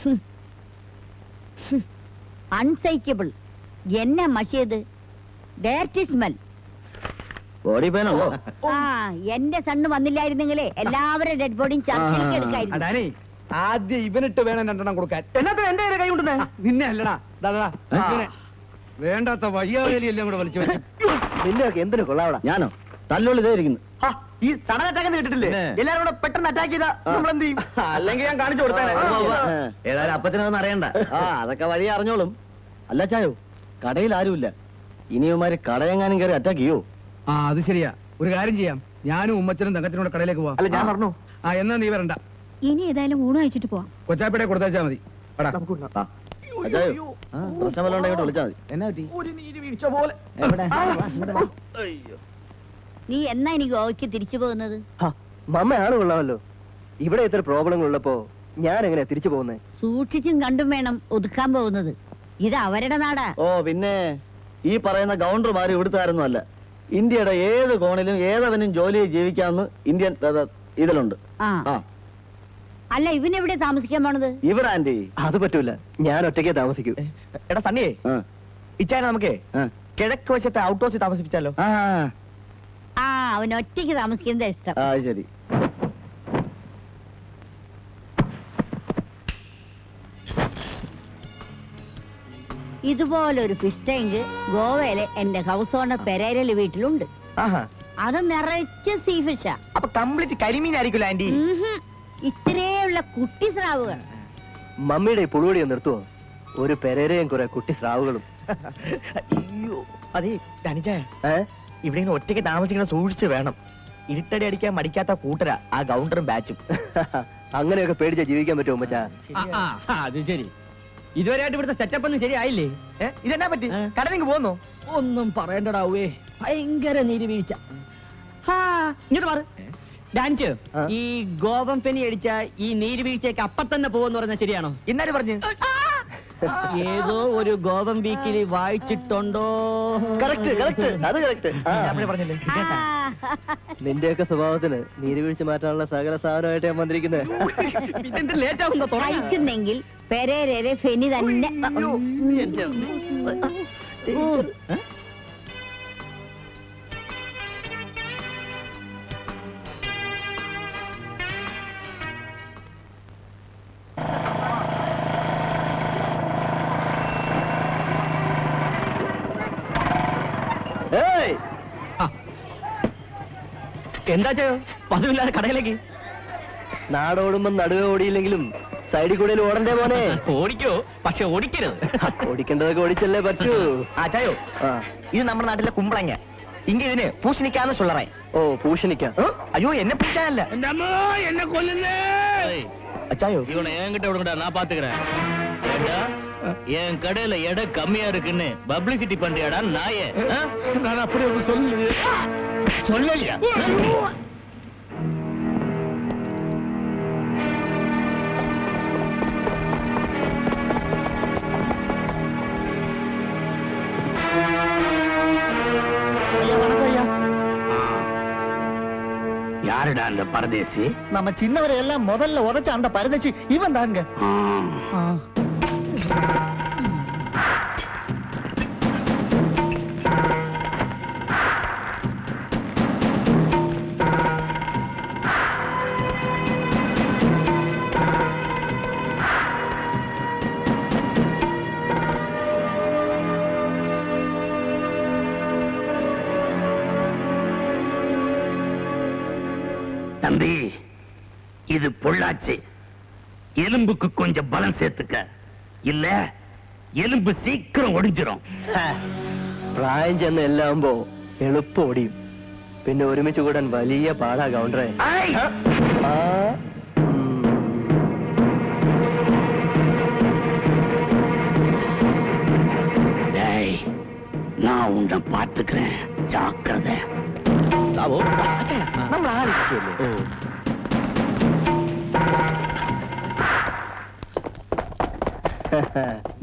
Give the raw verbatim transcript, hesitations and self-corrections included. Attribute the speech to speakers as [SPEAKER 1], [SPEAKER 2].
[SPEAKER 1] അൺസൈക്കബിൾ. എന്നെ മഷിയത് direct smell. ആ എന്റെ സണ്ണ് വന്നില്ലായിരുന്നെങ്കിലേ എല്ലാവരും ഡെഡ് ബോഡിയും ചർച്ചയ്ക്ക് എടുക്കായിരുന്നു.
[SPEAKER 2] ആദ്യം ഇവനിട്ട് വേണം രണ്ടെണ്ണം കൊടുക്കാൻ. എന്നാ എന്റെ കൈ കൊണ്ടുവന്നേ? നിന്നെ അല്ലടാ, വേണ്ടാത്ത വയ്യാവേലി എല്ലാം കൂടെ വലിച്ചു വെച്ചു.
[SPEAKER 3] നിന്നെയൊക്കെ എന്തിനു കൊള്ളാവടാ? ഞാനോ തല്ലുള്ളി ഇതായിരിക്കുന്നു.
[SPEAKER 2] ഈ സഡൻ അറ്റാക്ക് കേട്ടിട്ടില്ലേ? എല്ലാരും കൂടെ പെട്ടെന്ന് അറ്റാക്ക് ചെയ്താ നമ്മൾ എന്ത് ചെയ്യും? അല്ലെങ്കിൽ ഞാൻ കാണിച്ചു കൊടുത്തേ.
[SPEAKER 3] ഏതായാലും അപ്പച്ചനൊന്നും അറിയണ്ട. ആ അതൊക്കെ വഴി അറിഞ്ഞോളും. അല്ല ചായോ, കടയിൽ ആരുമില്ല. ഇനിയുമാര് കടയെങ്ങാനും കയറി അറ്റാക്ക് ചെയ്യോ?
[SPEAKER 2] ആ അത് ശരിയാ. ഒരു കാര്യം ചെയ്യാം, ഞാനും ഉമ്മച്ചനും തങ്കച്ചനും കൂടെ കടയിലേക്ക് പോവാം. അല്ല ഞാൻ പറഞ്ഞു. ആ എന്നാ നീ വരണ്ട.
[SPEAKER 1] ഇനി ഏതായാലും ഊണ് കഴിച്ചിട്ട് പോവാം.
[SPEAKER 2] കൊച്ചാപ്പിടെ കൊടുത്താച്ചാ മതി.
[SPEAKER 3] പ്രശ്നം വല്ല ഉണ്ടെങ്കിൽ വിളിച്ചാൽ മതി. എന്നാ
[SPEAKER 1] നീ എന്നാ എനിക്ക് ഗോവയ്ക്ക് തിരിച്ചു പോകുന്നത്?
[SPEAKER 3] മമ്മയാണ് കൊള്ളാമല്ലോ. ഇവിടെ ഇത്ര പ്രോബ്ലങ്ങൾ ഉള്ളപ്പോ ഞാൻ എങ്ങനെയാ തിരിച്ചു പോകുന്നത്?
[SPEAKER 1] സൂക്ഷിച്ചും കണ്ടും വേണം ഒതുക്കാൻ പോകുന്നത്. ഇത് അവരുടെ നാടാ.
[SPEAKER 3] ഓ പിന്നെ ഈ പറയുന്ന ഗവർണർമാര് ഇവിടുത്തുകാരൊന്നും അല്ല. ഇന്ത്യയുടെ ഏത് കോണിലും ഏതവനും ജോലിയിൽ ജീവിക്കാമെന്ന് ഇന്ത്യൻ ഇതിലുണ്ട്.
[SPEAKER 1] ആ അല്ല ഇവനെവിടെ താമസിക്കാൻ പോണത്?
[SPEAKER 3] ഇവിടെ ആന്റി അത് പറ്റൂല, ഞാൻ ഒറ്റയ്ക്കേ താമസിക്കൂ.
[SPEAKER 2] എടാ സണ്ണിയേ, ഇച്ചായ നമുക്കേ കിഴക്ക് വശത്തെ ഔട്ട് ഹൗസിൽ താമസിപ്പിച്ചാലോ?
[SPEAKER 1] ആ അവൻ ഒറ്റയ്ക്ക് താമസിക്കുന്നത് ഇഷ്ടം.
[SPEAKER 3] ആ ശരി.
[SPEAKER 1] ഇതുപോലൊരു ഫിഷ് ടാങ്ക് ഗോവയിലെ എന്റെ ഹൗസ് ഓണർ പെരേരല് വീട്ടിലുണ്ട്. അത് നിറച്ച് സീ ഫിഷാ.
[SPEAKER 2] അപ്പൊ കംപ്ലീറ്റ് കരിമീനായിരിക്കുമല്ലോ ആന്റി.
[SPEAKER 1] ഇത്രയുള്ള കുട്ടി സ്രാവുകൾ.
[SPEAKER 3] മമ്മിയുടെ പുളുവടി നിർത്തുവോ? ഒരു പെരേരയും കുറെ കുട്ടി സ്രാവുകളും.
[SPEAKER 2] അയ്യോ അതെ ധനിജായ, ഇവിടെ ഇങ്ങനെ ഒറ്റയ്ക്ക് താമസിക്കണം, സൂക്ഷിച്ചു വേണം. ഇരുട്ടടി അടിക്കാൻ മടിക്കാത്ത കൂട്ടരാ ആ ഗൗണ്ടറും ബാച്ചും.
[SPEAKER 3] അങ്ങനെയൊക്കെ പേടിച്ചാ ജീവിക്കാൻ പറ്റുമോ മച്ചാ?
[SPEAKER 2] അത് ശരി. ഇതുവരെയായിട്ട് ഇവിടുത്തെ സെറ്റപ്പ് ഒന്നും ശരിയായില്ലേ? ഇതെന്നാ പറ്റി? കടലിങ് പോന്നോ? ഒന്നും പറയണ്ടടാവേ, ഭയങ്കര നീരുവീഴ്ച. ഇങ്ങോട്ട് മാറ് ഡാൻസ്. ഈ ഗോവം പെനി അടിച്ച ഈ നീരുവീഴ്ചയൊക്കെ അപ്പ തന്നെ പോവെന്ന് പറഞ്ഞാൽ ശരിയാണോ? ഇന്നാല് പറഞ്ഞു ഏതോ ഒരു ഗോവം വീക്കിൽ വായിച്ചിട്ടുണ്ടോ?
[SPEAKER 3] കറക്റ്റ് കറക്റ്റ് അത് കറക്റ്റ്
[SPEAKER 2] പറഞ്ഞില്ലേ?
[SPEAKER 3] നിന്റെയൊക്കെ സ്വഭാവത്തിന് നീരുവീഴ്ച മാറ്റാനുള്ള സകല സാധനമായിട്ട് ഞാൻ വന്നിരിക്കുന്നത്.
[SPEAKER 2] ലേറ്റ് ആവുന്നോ
[SPEAKER 1] കഴിക്കുന്നെങ്കിൽ പെരേരരെ ഫെനി തന്നെ.
[SPEAKER 2] എന്താ ചെയ്യോ പതിവില്ലാതെ കടയിലേക്ക്?
[SPEAKER 3] നാടോടുമ്പോ നടുവേ ഓടിയില്ലെങ്കിലും സൈഡിൽ കൂടെ ഓടണ്ടേ മോനെ?
[SPEAKER 2] ഓടിക്കോ, പക്ഷെ ഓടിക്കരുത്.
[SPEAKER 3] ഓടിക്കേണ്ടതൊക്കെ ഓടിച്ചല്ലേ പറ്റൂ.
[SPEAKER 2] ആ ചായോ, ഇത് നമ്മുടെ നാട്ടിലെ കുമ്പളങ്ങ. ഇങ്ങ ഇതിന് പൂശണിക്കാന്ന് ചൊല്ലറേ.
[SPEAKER 3] ഓ പൂശണിക്ക?
[SPEAKER 2] അയ്യോ എന്നെ പൂശാനല്ല, എന്നെ കൊല്ലുന്നേ. அச்சாயோ இவனை என்கிட்ட விடுங்கடா, நான் பாத்துக்கிறேன். ஏண்டா என் கடையில எடை கம்மியா இருக்குன்னு பப்ளிசிட்டி பண்றியாடா நாயே? நான் அப்படி ஒண்ணு சொல்லலையே. சொல்லலையா? யாருடா அந்த பரதேசி? நம்ம சின்னவரை எல்லாம் முதல்ல உதைச்ச அந்த பரதேசி இவன் தாங்க. தம்பி, இது பொள்ளாச்சி. எலும்புக்கு கொஞ்சம் பலம் சேர்த்துக்க, இல்ல எலும்பு சீக்கிரம் ஒடிஞ்சிரும்.
[SPEAKER 3] പ്രായം ചെന്ന് എല്ലാവുമ്പോ എളുപ്പം ഓടിയും. പിന്നെ ഒരുമിച്ച് കൂടാൻ വലിയ പാടാ കൗണ്ടറേ.
[SPEAKER 2] நான் உன்னை பார்த்துக்கிறேன், ஜாக்கிரதை. നമ്മൾ ആലോചിച്ചല്ലേ?